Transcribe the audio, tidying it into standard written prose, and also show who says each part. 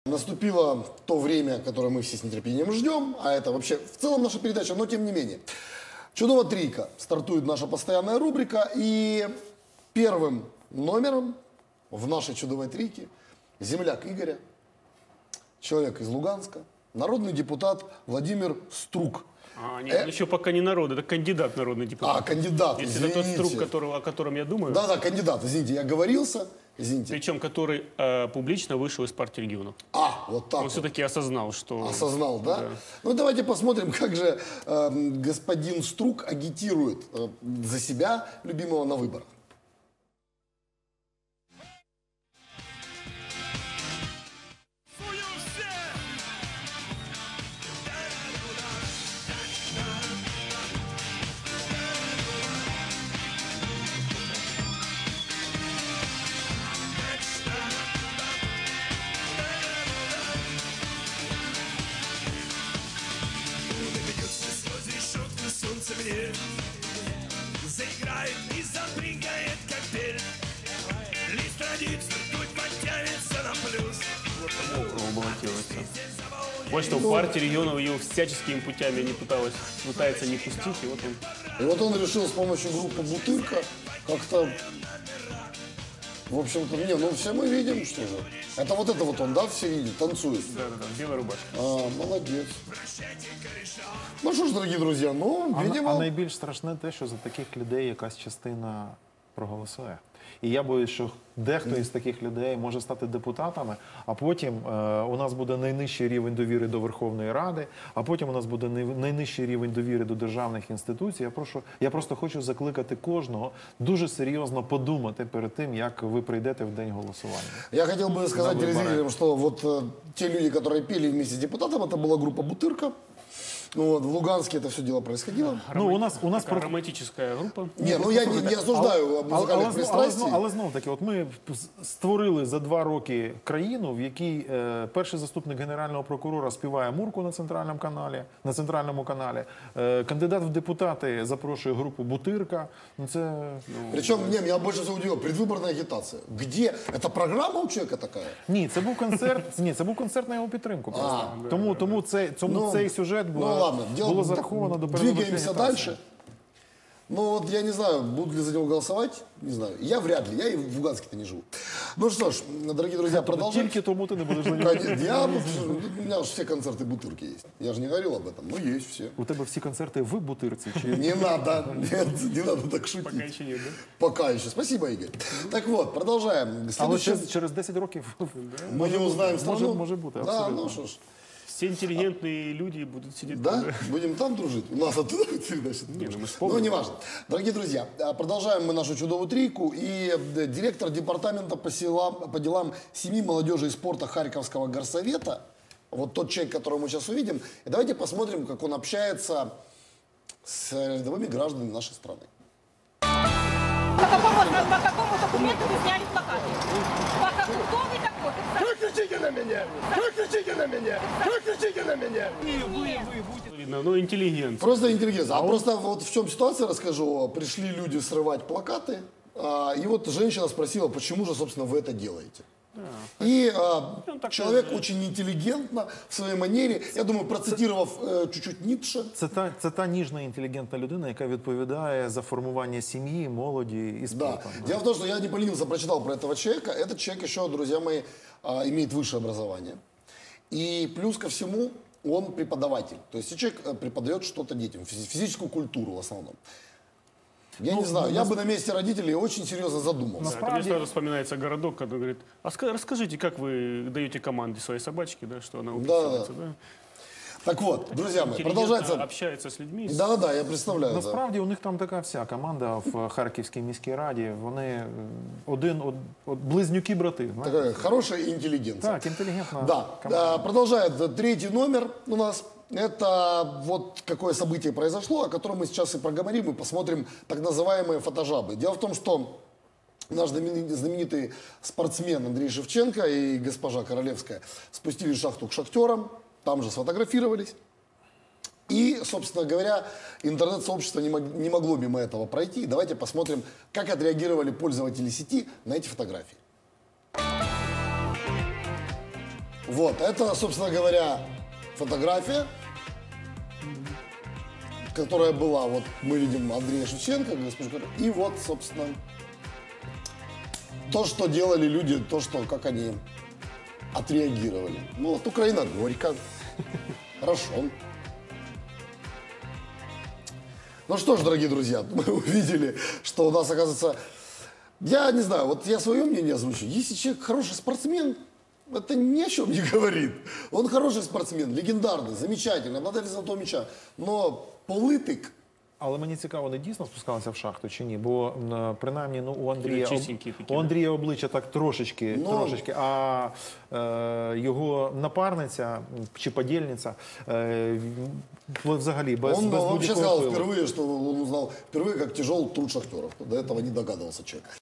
Speaker 1: Наступило то время, которое мы все с нетерпением ждем, а это вообще в целом наша передача, но тем не менее. «Чудова трійка» стартует наша постоянная рубрика, и первым номером в нашей «Чудовой трійке» земляк Игоря, человек из Луганска, народный депутат Владимир Струк.
Speaker 2: Нет, он еще пока не народ, это кандидат народный депутат.
Speaker 1: Кандидат,
Speaker 2: Если
Speaker 1: извините.
Speaker 2: это тот Струк, о котором я думаю.
Speaker 1: Да, кандидат, извините, я оговорился, извините.
Speaker 2: Причем который публично вышел из партии регионов.
Speaker 1: Вот так
Speaker 2: Он
Speaker 1: вот.
Speaker 2: все-таки осознал, что...
Speaker 1: Осознал, да? Ну, давайте посмотрим, как же господин Струк агитирует за себя, любимого, на выборах.
Speaker 3: Заиграет и запрыгает, как перед. Лист страниц ртуть подтянется на плюс.
Speaker 2: Вот что в партии регионов ее всяческими путями не пытается не пустить, и вот он...
Speaker 1: И вот он решил с помощью группы «Бутырка» как-то, в общем-то, ну все мы видим, что же. Это вот он, да, все видят, танцует.
Speaker 2: Да, белая рубашка.
Speaker 1: Молодец. Ну що ж, дорогі друзі, видимо...
Speaker 4: найбільш страшне те, що за таких людей якась частина проголосує. І я боюсь, що дехто із таких людей може стати депутатами, а потім у нас буде найнижчий рівень довіри до Верховної Ради, а потім у нас буде найнижчий рівень довіри до державних інституцій. Я просто хочу закликати кожного дуже серйозно подумати перед тим, як ви прийдете в день голосування.
Speaker 1: Я хотел бы сказать телезрителям, что вот те люди, которые пели вместе с депутатом, это была группа «Бутырка». Ну, в Луганске это все дело происходило.
Speaker 4: Ну, у нас
Speaker 2: романтическая группа.
Speaker 1: Ні, ну я не осуждаю музикальних пристрастій.
Speaker 4: Але знов-таки, от ми створили за 2 роки країну, в якій перший заступник генерального прокурора співає Мурку на центральному каналі, кандидат в депутати запрошує групу «Бутырка». Ну, це...
Speaker 1: Причем, меня больше всего удивило, предвыборная агитация. Где? Это программа у человека такая?
Speaker 4: Ні, це був концерт на його підтримку. Тому цей сюжет було зараховано до передвиборчої
Speaker 1: Двигаемся
Speaker 4: агітації.
Speaker 1: дальше. Ну вот я не знаю, будут ли за него голосовать, не знаю. Я вряд ли, я и в Луганске-то не живу. Ну что ж, дорогие друзья, продолжаем.
Speaker 4: Тільки тому ти не будеш за нього.
Speaker 1: У меня же все концерты «Бутырки» есть. Я же не говорил об этом, но есть все.
Speaker 4: У тебе всі концерти в Бутирці?
Speaker 1: Не надо, нет, не надо так шутить.
Speaker 2: Пока еще нет, да?
Speaker 1: Пока еще. Спасибо, Игорь. Так вот, продолжаем.
Speaker 4: Але через 10 років
Speaker 1: Мы не узнаем страну.
Speaker 4: може бути,
Speaker 1: Да,
Speaker 4: абсолютно.
Speaker 1: ну что ж.
Speaker 2: Все интеллигентные люди будут сидеть
Speaker 1: Да?
Speaker 2: там, да?
Speaker 1: Будем там дружить? У нас оттуда передача.
Speaker 2: мы
Speaker 1: Ну, неважно. Дорогие друзья, продолжаем мы нашу чудовую трійку. И директор департамента по делам семьи, молодежи и спорта Харьковского горсовета, вот тот человек, которого мы сейчас увидим, и давайте посмотрим, как он общается с рядовыми гражданами нашей страны.
Speaker 5: По какому документу вы сняли плакаты? Кто вы такой?
Speaker 3: Вы кричите на меня! Вы кричите на меня! Вы кричите на меня!
Speaker 2: Видно, ну, интеллигент.
Speaker 1: Просто интеллигенция. Просто вот в чем ситуация, расскажу. Пришли люди срывать плакаты, и вот женщина спросила, почему же, собственно, вы это делаете. И человек очень интеллигентно в своей манере, я думаю, процитировав чуть-чуть Ницше.
Speaker 4: Це та ніжна, інтелігентна людина, яка відповідає за формування сім'ї, молоді і
Speaker 1: Да.
Speaker 4: спорту.
Speaker 1: Дело в том, что я не поленился, прочитал про этого человека. Этот человек еще, друзья мои, имеет высшее образование. И плюс ко всему, он преподаватель. То есть человек преподает что-то детям, физическую культуру в основном. Я не знаю, я бы на месте родителей очень серьезно задумался.
Speaker 2: Да, мне сразу вспоминается городок, когда говорит, расскажите, как вы даете команде своей собачке, да, что она уписывается, да?
Speaker 1: Так вот, друзья мои,
Speaker 2: Интеллигентно
Speaker 1: продолжается.
Speaker 2: общается с людьми.
Speaker 1: Да, я представляю. Да.
Speaker 4: Насправді у них там така вся команда в Харківській міській раді. Вони близнюки-брати.
Speaker 1: Такая хорошая интеллигенция.
Speaker 4: Так, інтелігентна
Speaker 1: Да.
Speaker 4: команда.
Speaker 1: Продолжает третий номер у нас. Это вот какое событие произошло, о котором мы сейчас и проговорим, и посмотрим так называемые фотожабы. Дело в том, что наш знаменитый спортсмен Андрей Шевченко и госпожа Королевская спустились в шахту к шахтерам, там же сфотографировались. И, собственно говоря, интернет-сообщество не могло мимо этого пройти. Давайте посмотрим, как отреагировали пользователи сети на эти фотографии. Вот, это, собственно говоря, фотография, которая была, вот мы видим Андрея Шевченко, госпожу, и вот, собственно, то, что делали люди, то, что, как они отреагировали. Ну, вот Украина горько, хорошо. Ну что ж, дорогие друзья, мы увидели, что у нас, оказывается, я не знаю, вот я свое мнение озвучу. Если человек хороший спортсмен, это ни о чем не говорит. Он хороший спортсмен, легендарный, замечательный, обладатель золотого мяча. Но політик.
Speaker 4: Але мені цікаво, вони дійсно спускалися в шахту чи ні? Бо принаймні у Андрія,
Speaker 2: Чистенькі такі,
Speaker 4: у Андрія обличчя так трошечки, а його напарниця чи подільниця взагалі без
Speaker 1: Он вообще
Speaker 4: будь-якого
Speaker 1: сказал
Speaker 4: впливу.
Speaker 1: впервые, что он узнал впервые, как тяжел труд шахтеров. До этого не догадывался человек.